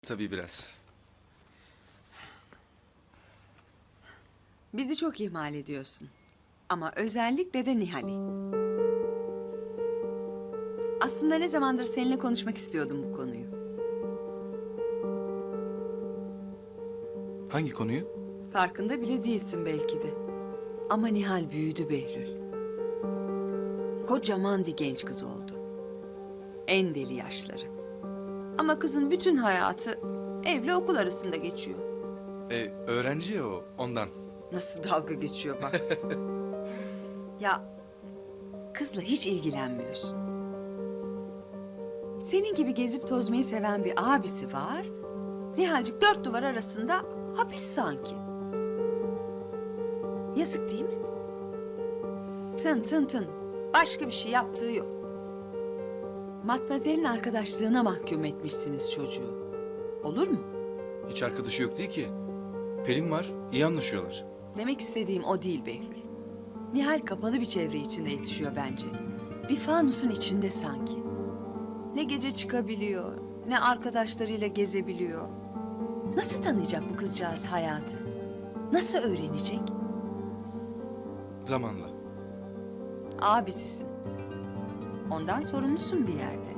Tabii biraz. Bizi çok ihmal ediyorsun. Ama özellikle de Nihal'i. Aslında ne zamandır seninle konuşmak istiyordum bu konuyu. Hangi konuyu? Farkında bile değilsin belki de. Ama Nihal büyüdü Behlül. Kocaman bir genç kız oldu. En deli yaşları. Ama kızın bütün hayatı evle okul arasında geçiyor. Öğrenci ya o, ondan. Nasıl dalga geçiyor bak. Ya kızla hiç ilgilenmiyorsun. Senin gibi gezip tozmayı seven bir abisi var. Nihalcik dört duvar arasında hapis sanki. Yazık değil mi? Tın tın tın. Başka bir şey yaptığı yok. Matmazel'in arkadaşlığına mahkum etmişsiniz çocuğu. Olur mu? Hiç arkadaşı yok değil ki. Pelin var, iyi anlaşıyorlar. Demek istediğim o değil Behlül. Nihal kapalı bir çevre içinde yetişiyor bence. Bir fanusun içinde sanki. Ne gece çıkabiliyor, ne arkadaşlarıyla gezebiliyor. Nasıl tanıyacak bu kızcağız hayatı? Nasıl öğrenecek? Zamanla. Abisisin. Ondan sorumlusun bir yerde.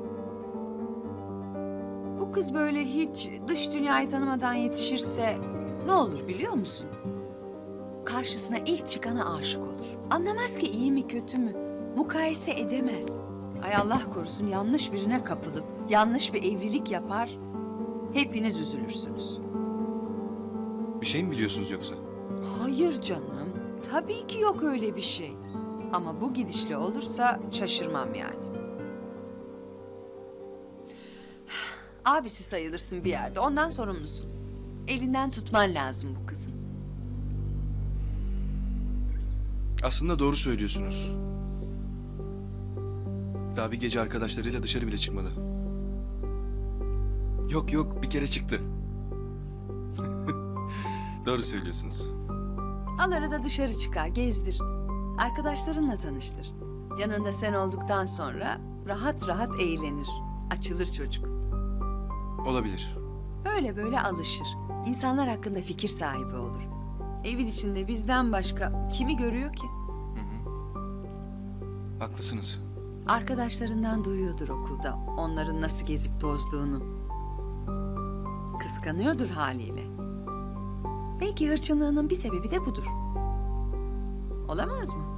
Bu kız böyle hiç dış dünyayı tanımadan yetişirse ne olur biliyor musun? Karşısına ilk çıkana aşık olur. Anlamaz ki iyi mi kötü mü? Mukayese edemez. Ay Allah korusun yanlış birine kapılıp yanlış bir evlilik yapar. Hepiniz üzülürsünüz. Bir şey mi biliyorsunuz yoksa? Hayır canım. Tabii ki yok öyle bir şey. Ama bu gidişle olursa şaşırmam yani. Abisi sayılırsın bir yerde. Ondan sorumlusun. Elinden tutman lazım bu kızın. Aslında doğru söylüyorsunuz. Daha bir gece arkadaşlarıyla dışarı bile çıkmadı. Yok yok, bir kere çıktı. Doğru söylüyorsunuz. Al arada dışarı çıkar, gezdir. Arkadaşlarınla tanıştır. Yanında sen olduktan sonra rahat rahat eğlenir. Açılır çocuk. Olabilir. Böyle böyle alışır. İnsanlar hakkında fikir sahibi olur. Evin içinde bizden başka kimi görüyor ki? Haklısınız. Arkadaşlarından duyuyordur okulda onların nasıl gezip tozduğunu. Kıskanıyordur haliyle. Belki hırçınlığının bir sebebi de budur. Olamaz mı?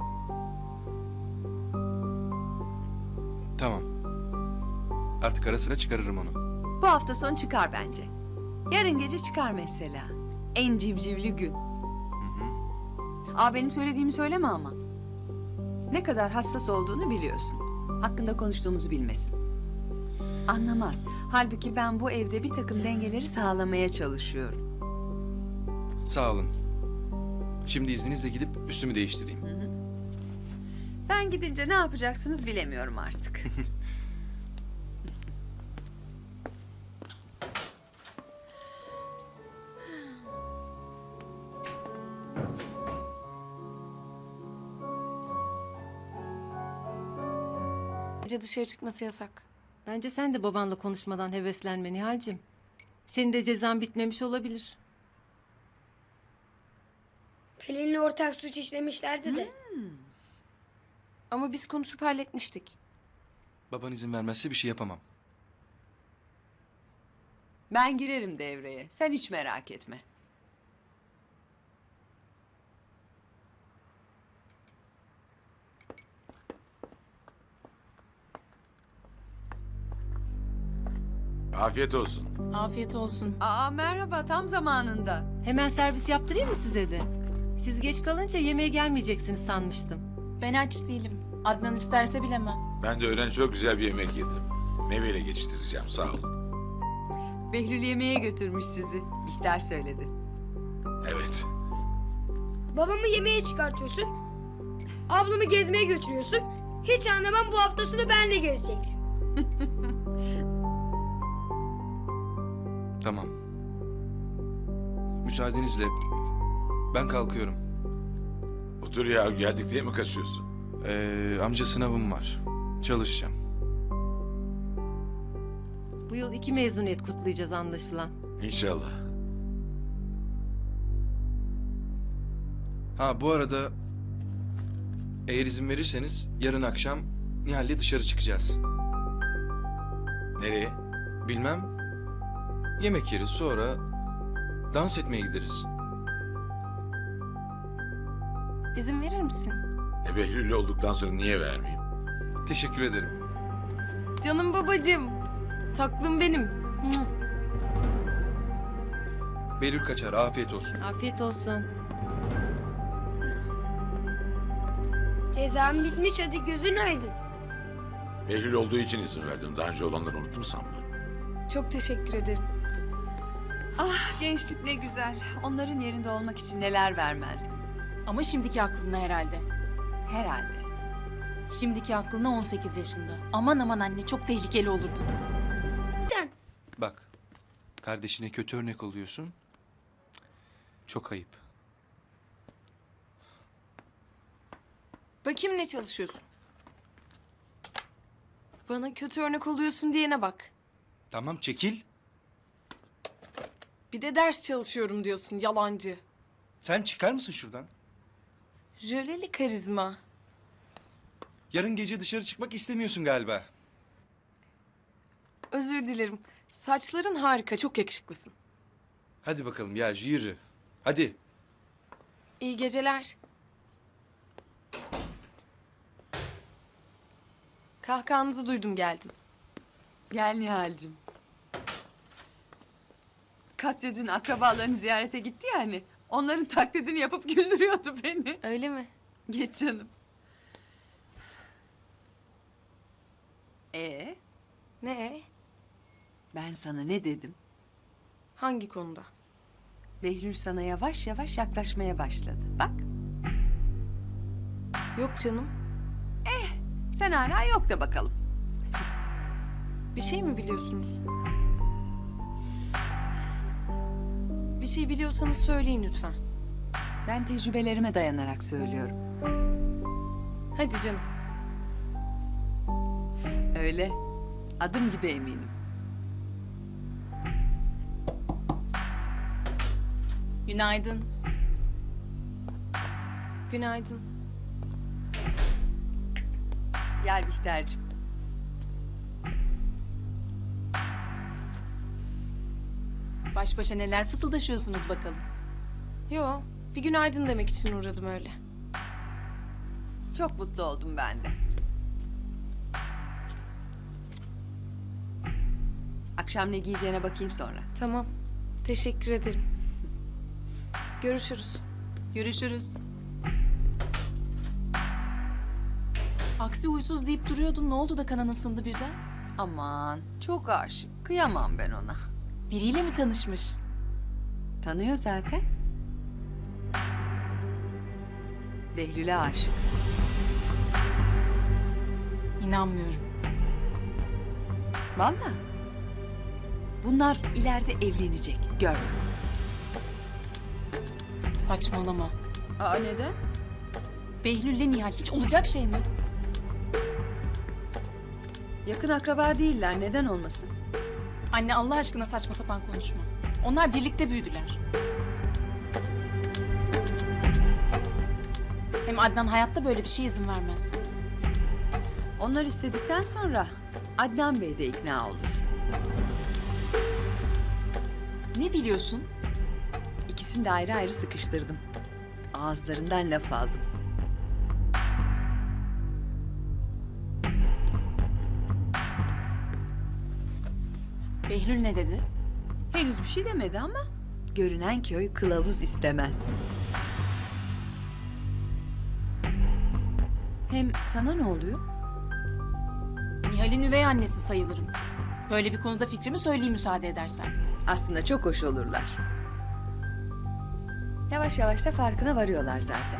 Tamam. Artık ara sıra çıkarırım onu. Bu hafta sonu çıkar bence. Yarın gece çıkar mesela. En civcivli gün. Benim söylediğimi söyleme ama. Ne kadar hassas olduğunu biliyorsun. Hakkında konuştuğumuzu bilmesin. Anlamaz. Halbuki ben bu evde bir takım dengeleri sağlamaya çalışıyorum. Sağ olun. Şimdi izninizle gidip üstümü değiştireyim. Ben gidince ne yapacaksınız bilemiyorum artık. Gece dışarı çıkması yasak. Bence sen de babanla konuşmadan heveslenme Nihal'cim. Senin de cezan bitmemiş olabilir. Pelin'le ortak suç işlemişlerdi de. Ama biz konuşup halletmiştik. Baban izin vermezse bir şey yapamam. Ben girerim devreye. Sen hiç merak etme. Afiyet olsun. Afiyet olsun. Merhaba tam zamanında. Hemen servis yaptırayım mı size de? Siz geç kalınca yemeğe gelmeyeceksiniz sanmıştım. Ben aç değilim. Adnan isterse bilemem. Ben de öğlen çok güzel bir yemek yedim. Meyveyle geçiştireceğim, sağ olun. Behlül yemeğe götürmüş sizi. Bihter söyledi. Evet. Babamı yemeğe çıkartıyorsun. Ablamı gezmeye götürüyorsun. Hiç anlamam, bu hafta sonu benle gezeceksin. Tamam. Müsaadenizle ben kalkıyorum. Otur ya, geldik diye mi kaçıyorsun? Amca sınavım var. Çalışacağım. Bu yıl 2 mezuniyet kutlayacağız anlaşılan. İnşallah. Ha bu arada eğer izin verirseniz yarın akşam Nihal'le dışarı çıkacağız. Nereye? Bilmem. Yemek yeriz, sonra dans etmeye gideriz. İzin verir misin? Behlül olduktan sonra niye vermeyeyim? Teşekkür ederim. Canım babacığım. Taklım benim. Behlül kaçar, afiyet olsun. Afiyet olsun. Cezam bitmiş, hadi gözün aydın. Behlül olduğu için izin verdim. Daha önce olanları unuttum sanma. Çok teşekkür ederim. Gençlik ne güzel. Onların yerinde olmak için neler vermezdim. Ama şimdiki aklına herhalde. Herhalde. Şimdiki aklına 18 yaşında. Aman aman anne, çok tehlikeli olurdu. Bak, kardeşine kötü örnek oluyorsun. Çok ayıp. Bakayım ne çalışıyorsun? Bana kötü örnek oluyorsun diyene bak. Tamam, çekil. Bir de ders çalışıyorum diyorsun, yalancı. Sen çıkar mısın şuradan? Jöleli karizma. Yarın gece dışarı çıkmak istemiyorsun galiba. Özür dilerim. Saçların harika, çok yakışıklısın. Hadi bakalım ya, yürü. Hadi. İyi geceler. Kahkahanızı duydum, geldim. Gel Nihal'cim. Katya dün akrabalarını ziyarete gitti ya hani. Onların taklidini yapıp güldürüyordu beni. Öyle mi? Geç canım. Ne? Ben sana ne dedim? Hangi konuda? Behlül sana yavaş yavaş yaklaşmaya başladı. Bak, Yok canım. sen hala yok da bakalım. Bir şey mi biliyorsunuz? Bir şey biliyorsanız söyleyin lütfen. Ben tecrübelerime dayanarak söylüyorum. Hadi canım. Öyle. Adım gibi eminim. Günaydın. Günaydın. Gel Bihter'cim. Baş başa neler fısıldaşıyorsunuz bakalım. Yo, bir günaydın demek için uğradım öyle. Çok mutlu oldum ben de. Akşam ne giyeceğine bakayım sonra. Tamam. Teşekkür ederim. Görüşürüz. Görüşürüz. Aksi huysuz deyip duruyordun. Ne oldu da kanın ısındı birden? Aman, çok aşık. Kıyamam ben ona. Biriyle mi tanışmış? Tanıyor zaten. Behlül'e aşık. İnanmıyorum. Vallahi. Bunlar ileride evlenecek. Gör bak. Saçmalama. Aa, neden? Behlül'le Nihal hiç olacak şey mi? Yakın akraba değiller. Neden olmasın? Anne, Allah aşkına saçma sapan konuşma. Onlar birlikte büyüdüler. Hem Adnan hayatta böyle bir şeye izin vermez. Onlar istedikten sonra Adnan Bey de ikna olur. Ne biliyorsun? İkisini de ayrı ayrı sıkıştırdım. Ağızlarından laf aldım. Behlül ne dedi? Henüz bir şey demedi ama görünen köy kılavuz istemez. Hem sana ne oluyor? Nihal'in üvey annesi sayılırım. Böyle bir konuda fikrimi söyleyeyim müsaade edersen. Aslında çok hoş olurlar. Yavaş yavaş da farkına varıyorlar zaten.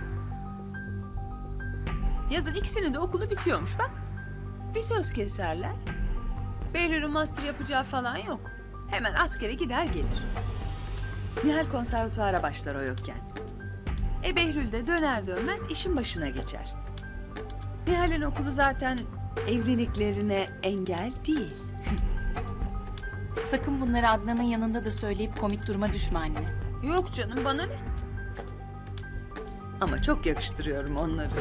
Yazın ikisinin de okulu bitiyormuş bak. Bir söz keserler. Behlül'ün master yapacağı falan yok. Hemen askere gider gelir. Nihal konservatuara başlar o yokken. Behlül de döner dönmez işin başına geçer. Nihal'in okulu zaten evliliklerine engel değil. Sakın bunları Adnan'ın yanında da söyleyip komik duruma düşme anne. Yok canım, bana ne? Ama çok yakıştırıyorum onları.